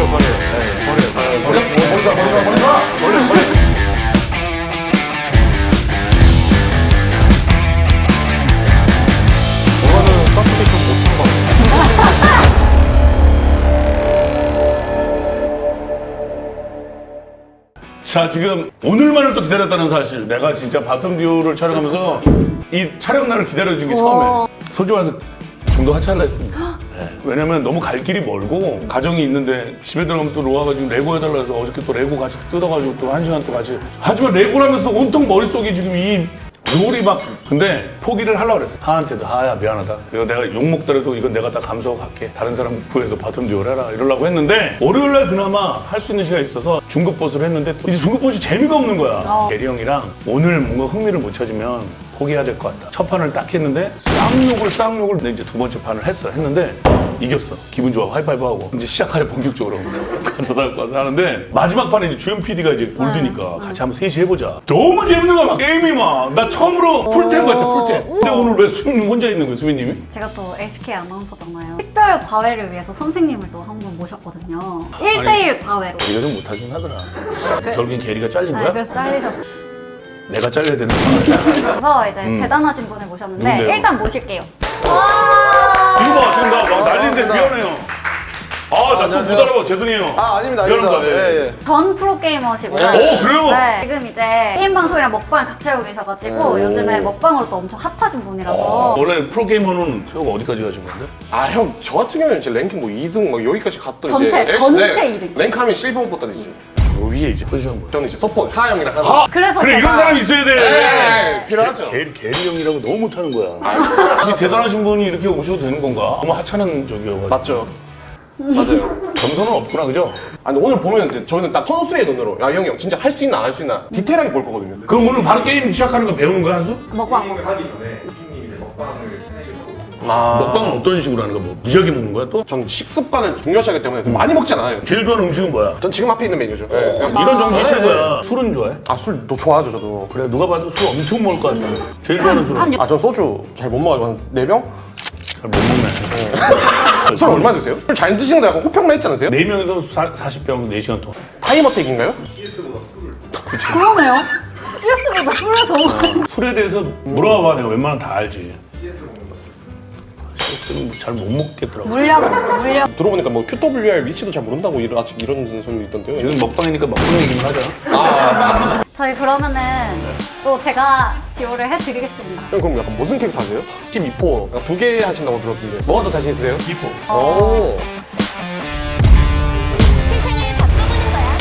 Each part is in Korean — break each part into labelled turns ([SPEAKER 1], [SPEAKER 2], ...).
[SPEAKER 1] 자, 지금 오늘만을 또 기다렸다는 사실. 내가 진짜 바텀 듀오를 촬영하면서 이 촬영 날을 기다려준 게 처음에 소주 와서 중도 하차를 했습니다. 네. 왜냐면 너무 갈 길이 멀고 가정이 있는데 집에 들어가면 또 로아가 지금 레고 해달라 해서 어저께 또 레고 같이 뜯어가지고 또 1시간 또 같이 하지만 레고를 하면서 온통 머릿속에 지금 이 롤이 막 근데 포기를 하려고 그랬어. 하한테도 하야 미안하다. 이거 내가 욕먹더라도 이건 내가 다 감수하고 갈게. 다른 사람 구해서 바텀 듀오를 해라 이러려고 했는데 월요일날 그나마 할 수 있는 시간이 있어서 중급보스를 했는데 또 이제 중급보스이 재미가 없는 거야. 대리 형이랑 오늘 뭔가 흥미를 못 찾으면 포기해야 될 것 같다. 첫 판을 딱 했는데 쌍욕을 근데 이제 두 번째 판을 했는데 이겼어. 기분 좋아. 하이파이브하고 이제 시작하려 본격적으로 가서 하는데 마지막 판에 이제 주연 PD가 이제 골드니까 같이 한번 셋이 해보자. 너무 재밌는 거야. 막 게임이 막 나 처음으로 풀템 같아 풀템. 근데 오늘 왜 수빈님 혼자 있는 거야 수빈님이?
[SPEAKER 2] 제가 또 SK 아나운서잖아요. 특별 과외를 위해서 선생님을 또 한 분 모셨거든요. 1대1 과외로.
[SPEAKER 1] 네가 좀 못하긴 하더라. 결국엔 게리가 잘린 거야?
[SPEAKER 2] 네, 그래서 잘리셨어요.
[SPEAKER 1] 내가 잘려야 되는 거야.
[SPEAKER 2] 그래서 이제 대단하신 분을 모셨는데
[SPEAKER 1] 누군데요?
[SPEAKER 2] 일단 모실게요.
[SPEAKER 1] 이거 봐 지금 나 난리인데 미안해요. 아 나 또 못 알아봐 죄송해요.
[SPEAKER 3] 아닙니다.
[SPEAKER 1] 미안합니다.
[SPEAKER 3] 예.
[SPEAKER 2] 전 프로게이머시고요.
[SPEAKER 1] 오 그래요?
[SPEAKER 2] 네, 지금 이제 게임 방송이랑 먹방을 같이 하고 계셔가지고 요즘에 먹방으로 또 엄청 핫하신 분이라서
[SPEAKER 1] 원래 프로게이머는 태호가 어디까지 가신 건데?
[SPEAKER 3] 형, 저 같은 경우에는 제 랭킹 뭐 2등 막 여기까지 갔던
[SPEAKER 2] 전체
[SPEAKER 3] 이제
[SPEAKER 2] 전체 2등.
[SPEAKER 3] 랭크하면 실버 버튼이지.
[SPEAKER 1] 요 위에 이제 포지션 뭐.
[SPEAKER 3] 저는 이제 서포트 하하 형이랑 하는.
[SPEAKER 2] 그래서
[SPEAKER 1] 그래
[SPEAKER 2] 제가
[SPEAKER 1] 이런 사람이 있어야 돼.
[SPEAKER 3] 필요하죠.
[SPEAKER 1] 게리 형이라고 너무 못하는 거야. 아니 대단하신 분이 이렇게 오셔도 되는 건가? 너무 하찮은 적이어가지고.
[SPEAKER 3] 맞죠? 맞아요.
[SPEAKER 1] 점수는 없구나 그죠?
[SPEAKER 3] 아니 오늘 보면 이제 저희는 딱 선수의 눈으로 야 형이 형 진짜 할 수 있나 안 할 수 있나 디테일하게 볼 거거든요.
[SPEAKER 1] 그럼 오늘 바로 게임 시작하는 거 배우는 거야 한수?
[SPEAKER 2] 먹방.
[SPEAKER 1] 먹방은 어떤 식으로 하는 거야? 뭐 무지하게 먹는 거야 또?
[SPEAKER 3] 전 식습관을 중요시하기 때문에 많이 먹지 않아요.
[SPEAKER 1] 제일 좋아하는 음식은 뭐야?
[SPEAKER 3] 전 지금 앞에 있는 메뉴죠. 네.
[SPEAKER 1] 이런 정신이 최고야. 술은 좋아해?
[SPEAKER 3] 술도 좋아하죠 저도.
[SPEAKER 1] 그래 누가 봐도 술 엄청 먹을 것 같다. 제일 좋아하는 술은?
[SPEAKER 3] 전 소주 잘 못 먹어요. 한 4병?
[SPEAKER 1] 잘 못 먹네.
[SPEAKER 3] 술 얼마 드세요? 술 잘 드시는 거 약간 호평나 있지 않으세요?
[SPEAKER 1] 4명에서 40병 4시간 동안.
[SPEAKER 3] 타이머택인가요?
[SPEAKER 2] 그러네요. CS보다 술을 더 먹는.
[SPEAKER 1] 술에 대해서 물어봐봐. 내가 웬만하면 다 알지. CS는 잘 못 먹겠더라고.
[SPEAKER 2] 물약.
[SPEAKER 3] 들어보니까 뭐 QWR 위치도 잘 모른다고 아직 이런 소리 있던데요.
[SPEAKER 1] 지금 먹방이니까 먹방 얘기만 하자.
[SPEAKER 2] 저희 그러면은 또 제가 듀오를 해드리겠습니다.
[SPEAKER 3] 형 그럼 약간 무슨 캐릭터 하세요? 12포 2개 하신다고 들었는데 뭐가 더 자신 있으세요?
[SPEAKER 1] 2포.
[SPEAKER 3] 오.
[SPEAKER 4] 세상을 바꿔보는 거야.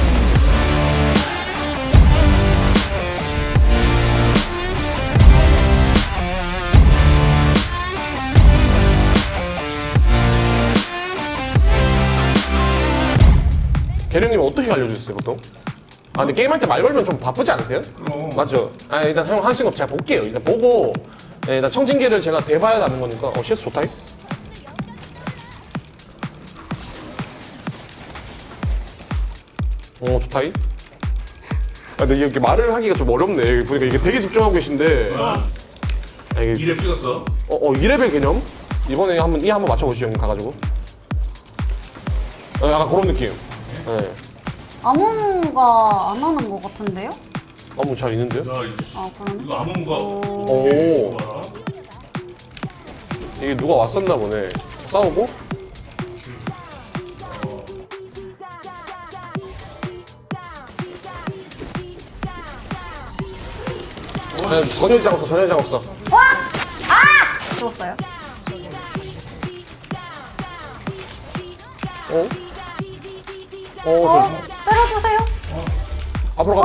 [SPEAKER 3] 계령님 어떻게 알려주셨어요 보통? 근데 게임할 때 말 걸면 좀 바쁘지 않으세요? 맞죠? 일단 형 하신 거 잘 볼게요. 일단 보고 일단 청진기를 제가 대봐야 하는 거니까 CS 좋다. 좋다. 근데 이렇게 말을 하기가 좀 어렵네. 보니까 이게 되게 집중하고 계신데. 이게
[SPEAKER 1] 2렙 찍었어.
[SPEAKER 3] 2레벨 개념? 이번에 한번 맞춰보시죠, 형님 가가지고. 약간 그런 느낌. 네.
[SPEAKER 2] 아무무가 안 하는 것 같은데요?
[SPEAKER 3] 잘 있는데요?
[SPEAKER 2] 아 그러네.
[SPEAKER 1] 이거 아무무가.
[SPEAKER 3] 오. 이게 누가 왔었나 보네. 싸우고? 전혀 이상 없어.
[SPEAKER 2] 와! 아! 죽었어요? 때려주세요.
[SPEAKER 3] 앞으로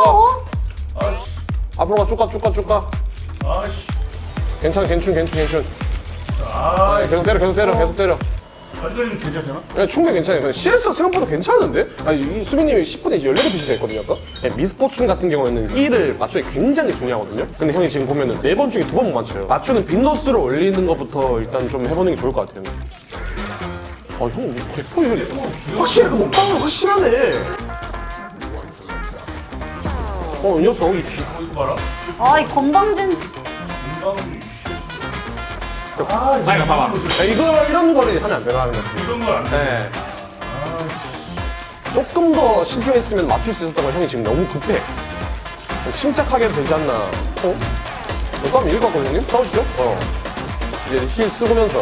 [SPEAKER 3] 가. 앞으로 가, 쭉 가.
[SPEAKER 1] 아씨.
[SPEAKER 3] 괜찮아. 계속 때려.
[SPEAKER 1] 아직까지는 괜찮잖아?
[SPEAKER 3] 네, 충분히 괜찮아요. 근데 CS 생각보다 괜찮은데? 이 수빈님이 10분에 이제 14개 했거든요, 아까? 네, 미스포춘 같은 경우에는 1을 맞추기 굉장히 중요하거든요? 근데 형이 지금 보면은 4번 중에 2번 못 맞춰요. 맞추는 빈도수를 올리는 것부터 일단 좀 해보는 게 좋을 것 같아요. 형, 100% 확실해. 먹방은 확실하네. 이 녀석,
[SPEAKER 1] 이거 봐라.
[SPEAKER 2] 아, 이 건방진.
[SPEAKER 3] 봐봐. 이런 거를 하면 안 되나 하는 거지.
[SPEAKER 1] 이런 걸안 돼.
[SPEAKER 3] 네. 조금 더 신중했으면 맞출 수 있었던 걸 형이 지금 너무 급해. 좀 침착하게 해도 되지 않나. 싸움 이길 것 같거든요, 형님? 싸우시죠? 이제 힐 쓰고면서.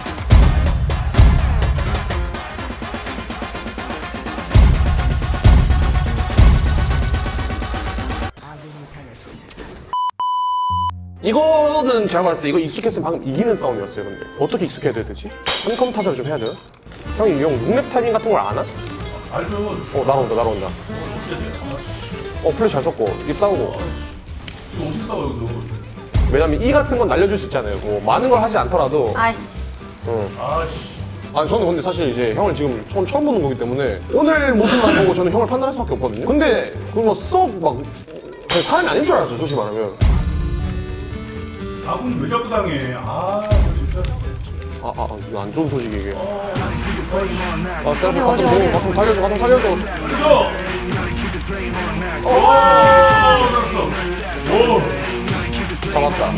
[SPEAKER 3] 이거는 제가 봤을 때 이거 익숙했으면 방금 이기는 싸움이었어요. 근데 어떻게 익숙해야 되지? 한컴 타자를 좀 해야 돼요? 형이 형 룩랩 타이밍 같은 걸 아나?
[SPEAKER 1] 알죠.
[SPEAKER 3] 날아온다. 플래시 잘 썼고 이 싸우고.
[SPEAKER 1] 이거 어떻게 싸워 여기서?
[SPEAKER 3] 왜냐면 이 같은 건 날려줄 수 있잖아요. 뭐 많은 걸 하지 않더라도.
[SPEAKER 2] 아이씨.
[SPEAKER 1] 아씨.
[SPEAKER 3] 아니 저는 근데 사실 이제 형을 지금 처음 보는 거기 때문에 오늘 모습만 보고 저는 형을 판단할 수밖에 없거든요. 근데 그거 썩막 사람이 아닌 줄 알았죠, 솔직히 말하면.
[SPEAKER 1] 아군 왜 자꾸 당해? 아 진짜.
[SPEAKER 3] 이거 안 좋은 소식이 이게.
[SPEAKER 2] 어디,
[SPEAKER 3] 가끔 살려줘.
[SPEAKER 1] 그죠? 알았어. 오.
[SPEAKER 3] 잡았다.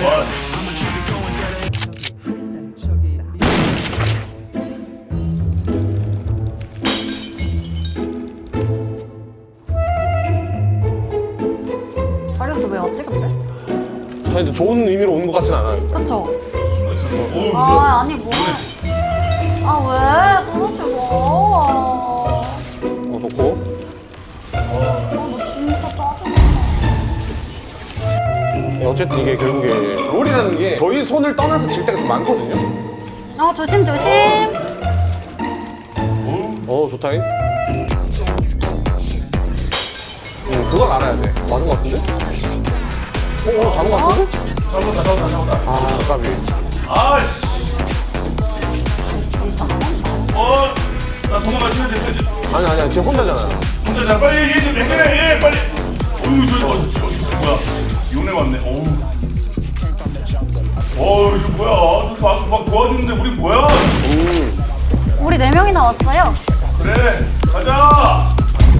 [SPEAKER 2] 다리우스 왜 왔지 근데?
[SPEAKER 3] 근데 좋은 의미로 온 것 같진 않아요.
[SPEAKER 2] 그쵸?
[SPEAKER 1] 오.
[SPEAKER 2] 아 아니 뭐. 아 왜? 그러지 마.
[SPEAKER 3] 좋고.
[SPEAKER 2] 너 진짜 짜증나.
[SPEAKER 3] 어쨌든 이게 결국에 롤이라는 게 저희 손을 떠나서 질 때가 좀 많거든요.
[SPEAKER 2] 조심.
[SPEAKER 3] 좋다잉. 그걸 알아야 돼. 맞은 것 같은데? 잡은 것 같은데?
[SPEAKER 1] 잡았다.
[SPEAKER 3] 까비.
[SPEAKER 1] 아씨. 나 도망가시면 돼.
[SPEAKER 3] 아니, 지금 혼자잖아.
[SPEAKER 1] 혼자 나 빨리 얘 좀 해결해. 얘 빨리. 어유 저기 뭐야? 요네 왔네. 이거 뭐야? 저기 와서 막 도와주는데 우리 뭐야?
[SPEAKER 2] 우리 4명이나 왔어요.
[SPEAKER 1] 그래, 가자.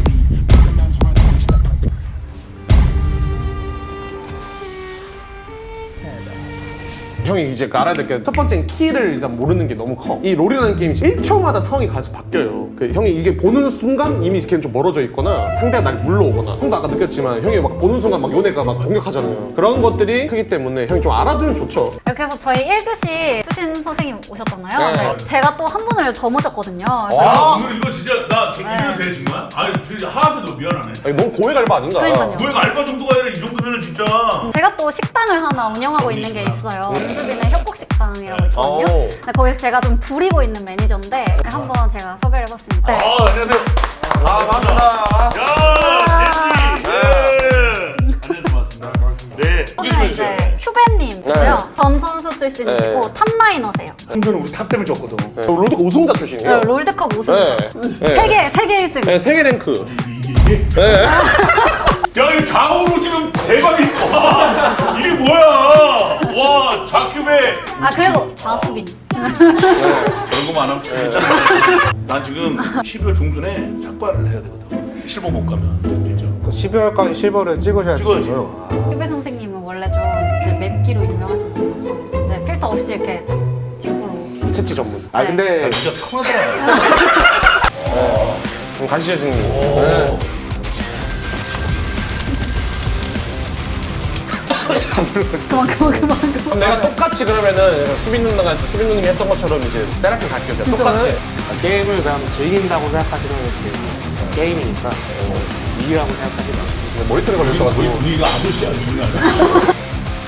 [SPEAKER 3] 형이 이제 알아야 될 게 첫 번째는 키를 일단 모르는 게 너무 커. 이 롤이라는 게임이 1초마다 상황이 계속 바뀌어요. 형이 이게 보는 순간 이미 걔는 좀 멀어져 있거나 상대가 날 물러오거나. 형도 아까 느꼈지만 형이 막 보는 순간 막 요네가 막 공격하잖아요. 그런 것들이 크기 때문에 형이 좀 알아두면 좋죠.
[SPEAKER 2] 이렇게 해서 저희 1교시 수신 선생님 오셨잖아요.
[SPEAKER 3] 네.
[SPEAKER 2] 네, 제가 또 한 분을 더 모셨거든요.
[SPEAKER 1] 오늘 이거 진짜 나 이래도 돼 정말? 아니 진짜 하나도 미안하네.
[SPEAKER 3] 아니, 너무 고액 알바 아닌가?
[SPEAKER 2] 그러니까요.
[SPEAKER 1] 왜 알바 정도가 아니라 이 정도면은 진짜.
[SPEAKER 2] 제가 또 식당을 하나 운영하고 있는 게 있어요. 윤수빈의 협곡식당이라고 있거든요. 근데 거기서 제가 좀 부리고 있는 매니저인데 한번 제가 섭외를 해봤습니다. 네.
[SPEAKER 1] 안녕하세요.
[SPEAKER 3] 반갑습니다.
[SPEAKER 1] 야, 젠지. 안녕하세요, 반갑습니다. 네.
[SPEAKER 2] 오늘 이제 큐벤님이고요. 전 선수 출신이시고
[SPEAKER 3] 네.
[SPEAKER 2] 탑라이너세요.
[SPEAKER 1] 승표는 우리 탑 때문에 졌거든.
[SPEAKER 3] 롤드컵 우승자 출신이에요.
[SPEAKER 2] 롤드컵 우승자.
[SPEAKER 3] 네.
[SPEAKER 2] 세계 1등.
[SPEAKER 3] 네, 세계 랭크.
[SPEAKER 1] 이게?
[SPEAKER 3] 네.
[SPEAKER 1] 야, 이 좌우로 지금 대박이다. 이게 뭐야? 와, 좌큐베.
[SPEAKER 2] 그리고 좌수빈.
[SPEAKER 1] 그런 거 많아. 난 지금 12월 중순에 삭발을 해야 되거든. 실버 못 가면 진짜.
[SPEAKER 5] 12월까지 실버를 찍으셔야
[SPEAKER 1] 찍어야지.
[SPEAKER 5] 되고요.
[SPEAKER 2] 큐베 선생님은 원래 좀 이제 맵기로 유명하신 분이라서 이제 필터 없이 이렇게 직구로.
[SPEAKER 3] 채취 전문.
[SPEAKER 5] 아
[SPEAKER 2] 네.
[SPEAKER 5] 근데
[SPEAKER 1] 진짜 편하더라.
[SPEAKER 3] 그럼 가시죠, 선생님.
[SPEAKER 2] 그만.
[SPEAKER 3] 그럼 내가 똑같이 그러면은 수빈 누님이 했던 것처럼 이제 세라핀 갈게요. 제가 똑같이.
[SPEAKER 5] 게임을 그냥 즐긴다고 생각하시면 게임이니까 이기라고 생각하시면
[SPEAKER 3] 근데 머리털에 걸려있어가지고.
[SPEAKER 1] 거의 분위기가 아저씨야, 분위기가.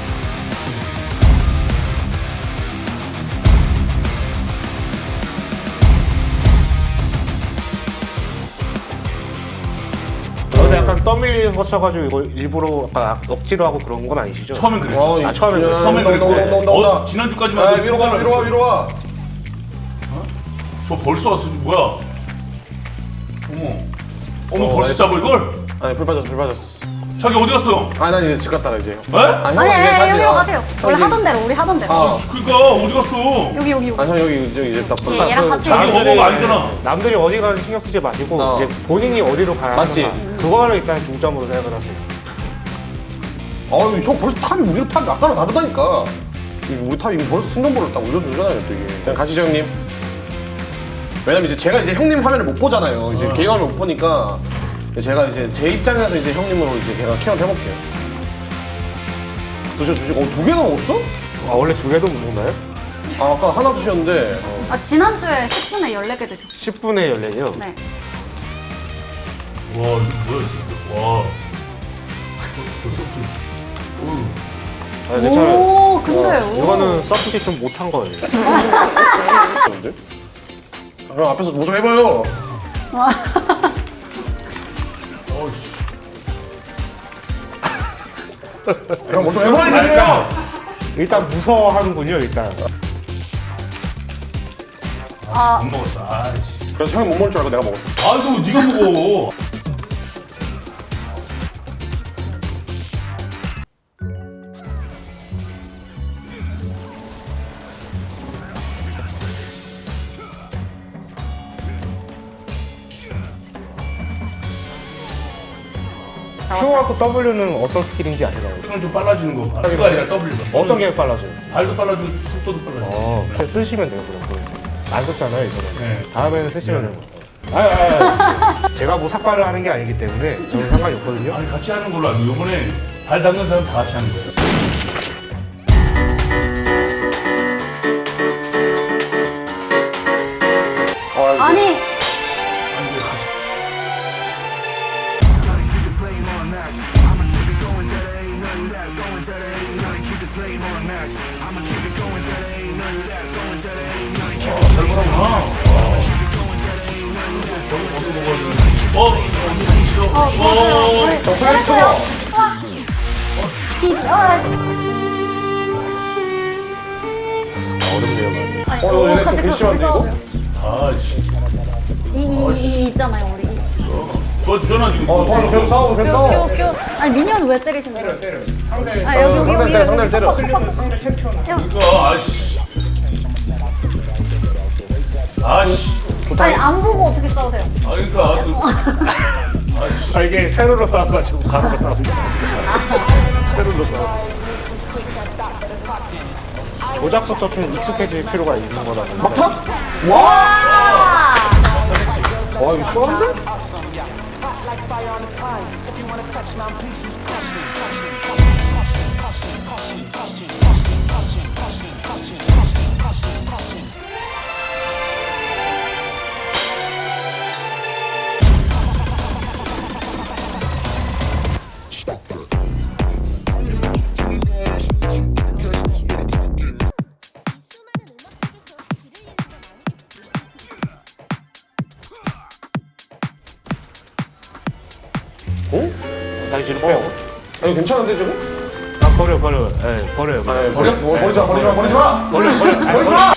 [SPEAKER 5] 근데 약간 떠밀리는 거 쳐가지고 이거 일부러 약간 억지로 하고 그런 건 아니시죠?
[SPEAKER 1] 처음엔 그랬어.
[SPEAKER 5] 처음엔 그랬어요.
[SPEAKER 1] 처음엔 그랬대.
[SPEAKER 3] 온다.
[SPEAKER 1] 지난주까지만 해도
[SPEAKER 3] 위로 와.
[SPEAKER 1] 저 벌써 왔어. 뭐야? 어머 벌써 잡아 이걸?
[SPEAKER 3] 아니, 불 빠졌어.
[SPEAKER 1] 자기 어디 갔어?
[SPEAKER 3] 난 이제 집 갔다가 이제.
[SPEAKER 1] 에?
[SPEAKER 2] 아니 여기로 가세요. 원래 하던 대로 우리 하던 대로.
[SPEAKER 1] 그니까 어디 갔어?
[SPEAKER 2] 여기.
[SPEAKER 3] 형 여기 이제 딱.
[SPEAKER 2] 얘랑 같이
[SPEAKER 1] 자기 어버가 아니잖아.
[SPEAKER 5] 남들이 어디 가는지 신경 쓰지 마시고 이제 본인이 어디로 가야
[SPEAKER 3] 맞지?
[SPEAKER 5] 하는가 그거를 일단 중점으로 생각을 하세요.
[SPEAKER 3] 아유, 형 벌써 탑이 우리 탑이 아까랑 다르다니까. 우리 탑이 벌써 승전보를 딱 올려주잖아요, 또 이게. 그냥 가시죠, 형님. 왜냐면 이제 제가 이제 형님 화면을 못 보잖아요. 이제 개인 화면 못 보니까 제가 이제 제 입장에서 이제 형님으로 이제 제가 케어를 해볼게요. 드셔주시고 2개나 먹었어?
[SPEAKER 5] 아, 원래 2개도 먹나요?
[SPEAKER 3] 아, 아까 하나 드셨는데
[SPEAKER 2] 아, 지난주에 10분에 14개 드셨어요.
[SPEAKER 5] 10분에 14개요?
[SPEAKER 2] 네.
[SPEAKER 1] 와, 이거 뭐야, 진짜. 와.
[SPEAKER 5] 아, 괜찮아요.
[SPEAKER 2] 오, 근데 오.
[SPEAKER 5] 이거는 서프시 좀 못한 거예요.
[SPEAKER 3] 드셨는데? 형 앞에서 뭐 좀 해봐요.
[SPEAKER 1] 어이씨.
[SPEAKER 3] 형 뭐 좀 해보라니까요.
[SPEAKER 5] 일단 무서워하는군요, 일단.
[SPEAKER 2] 아,
[SPEAKER 1] 못 먹었어. 아이씨.
[SPEAKER 3] 그래서 형이 못 먹을 줄 알고 내가 먹었어.
[SPEAKER 1] 아, 이거 네가 먹어.
[SPEAKER 5] Q하고 W는 어떤 스킬인지 아시나요?
[SPEAKER 1] 이건 좀 빨라지는 거. Q가 아니라 W가.
[SPEAKER 5] 어떤 게 빨라져요?
[SPEAKER 1] 발도 빨라지고 속도도 빨라지고.
[SPEAKER 5] 그냥 쓰시면 돼요, 그럼. 안 썼잖아요, 이거는.
[SPEAKER 1] 네.
[SPEAKER 5] 다음에는 쓰시면 돼요. 제가 뭐 삭발을 하는 게 아니기 때문에 저는 상관이 없거든요.
[SPEAKER 1] 아니, 같이 하는 걸로 알고 이번에 발 닦는 사람 다 같이 하는 거예요.
[SPEAKER 2] 아니. 맞아요. 우리 잘했어요. 와.
[SPEAKER 5] 어렵네요, 많이.
[SPEAKER 2] 아니,
[SPEAKER 3] 얘네 좀
[SPEAKER 2] 같이
[SPEAKER 3] 괘씸한데, 이거?
[SPEAKER 2] 싸워요.
[SPEAKER 1] 아이씨.
[SPEAKER 2] 이 있잖아요, 우리.
[SPEAKER 1] 너 주잖아, 지금.
[SPEAKER 3] 도와줘, 계속 싸워, 계속 싸워.
[SPEAKER 2] 큐. 아니, 미니언 왜 때리시는 거예요?
[SPEAKER 5] 때려.
[SPEAKER 2] 아, 여기
[SPEAKER 3] 상대를 때려, 상대를 때려.
[SPEAKER 5] 상대 챔피언.
[SPEAKER 1] 그러니까, 아이씨. 아이씨.
[SPEAKER 2] 아니, 안 보고 어떻게 싸우세요?
[SPEAKER 1] 아, 그러니까.
[SPEAKER 5] 아, 이게 세로로 싸워가지고 가로로 싸우는 세로로 싸워. 조작부터 좀 익숙해질 필요가 있는 거라는.
[SPEAKER 3] 막타? 와!
[SPEAKER 2] 아!
[SPEAKER 3] 와, 이거 시원한데? 어?
[SPEAKER 5] 다시 뒤로 빼요.
[SPEAKER 3] 아, 이거 괜찮은데, 지금?
[SPEAKER 5] 아, 버려. 예, 버려요.
[SPEAKER 3] 아, 버려? 버리지 마, 버리지 마, 버리지 마!
[SPEAKER 5] 버려.
[SPEAKER 3] 버리지 마!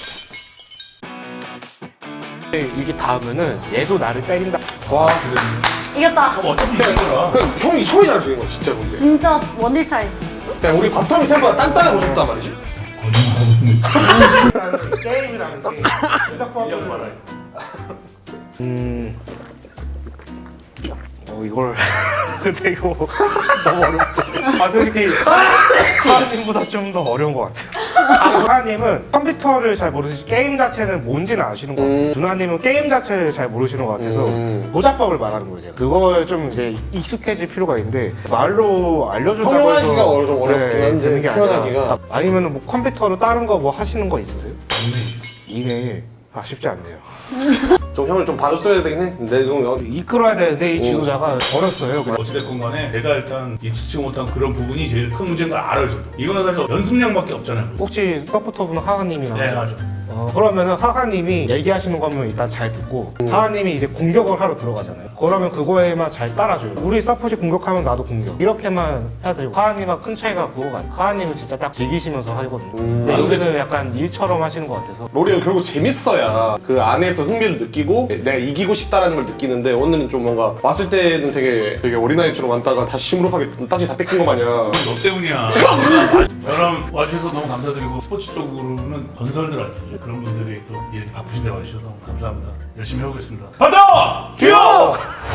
[SPEAKER 5] 이게 닿으면은 얘도 나를 때린다.
[SPEAKER 3] 와,
[SPEAKER 2] 이겼다.
[SPEAKER 1] 어차피 이거라.
[SPEAKER 3] 그냥 형이 잘해주는 거야, 진짜 근데.
[SPEAKER 2] 진짜 원딜 차이.
[SPEAKER 3] 그냥 우리 바텀이 생각보다 단단해 보셨단 말이지?
[SPEAKER 5] 게임이라는 게 조작법을 이걸 근데 이거 너무 어렵다. 아 솔직히 하하님보다 좀 더 어려운 것 같아요. 하하님은 컴퓨터를 잘 모르시지 게임 자체는 뭔지는 아시는 것 같아요. 누나님은 게임 자체를 잘 모르시는 것 같아서 조작법을 말하는 거예요. 제가. 그걸 좀 이제 익숙해질 필요가 있는데 말로 알려준다고
[SPEAKER 3] 통용하기가 좀 어렵긴 한데,
[SPEAKER 5] 되는 게
[SPEAKER 3] 표현하기가.
[SPEAKER 5] 아니라 아니면 뭐 컴퓨터로 다른 거 뭐 하시는 거 있으세요? 이메일 쉽지 않네요.
[SPEAKER 3] 좀 형을 좀 봐줬어야 되긴 해. 근데 이거
[SPEAKER 5] 이끌어야 되는데 이 지도자가 어렸어요.
[SPEAKER 1] 어찌됐건 간에 내가 일단 익숙치 못한 그런 부분이 제일 큰 문제인 걸 알아요. 저도. 이거는 사실 연습량밖에 없잖아요.
[SPEAKER 5] 혹시 서포터분은 하하님이나
[SPEAKER 1] 네, 맞아.
[SPEAKER 5] 그러면은 하하님이 얘기하시는 거면 일단 잘 듣고 하하님이 이제 공격을 하러 들어가잖아요. 그러면 그거에만 잘 따라줘요. 우리 서폿이 공격하면 나도 공격. 이렇게만 하세요. 하하님과 큰 차이가 그거가 아니에요. 하하님은 진짜 딱 즐기시면서 하거든요. 근데 여기는 약간 일처럼 하시는 것 같아서.
[SPEAKER 3] 롤이 결국 재밌어야 그 안에서 흥미를 느끼고 내가 이기고 싶다라는 걸 느끼는데 오늘은 좀 뭔가 왔을 때는 되게 어린아이처럼 왔다가 다시 시무룩하게 딱지 다 뺏긴 거 마냥
[SPEAKER 1] 너 때문이야. 저랑 와주셔서 너무 감사드리고 스포츠 쪽으로는 건설들 아니죠. 그런 분들이 또 이렇게 바쁘신데 와주셔서 너무 감사합니다. 열심히 해보겠습니다. 바다! 듀오!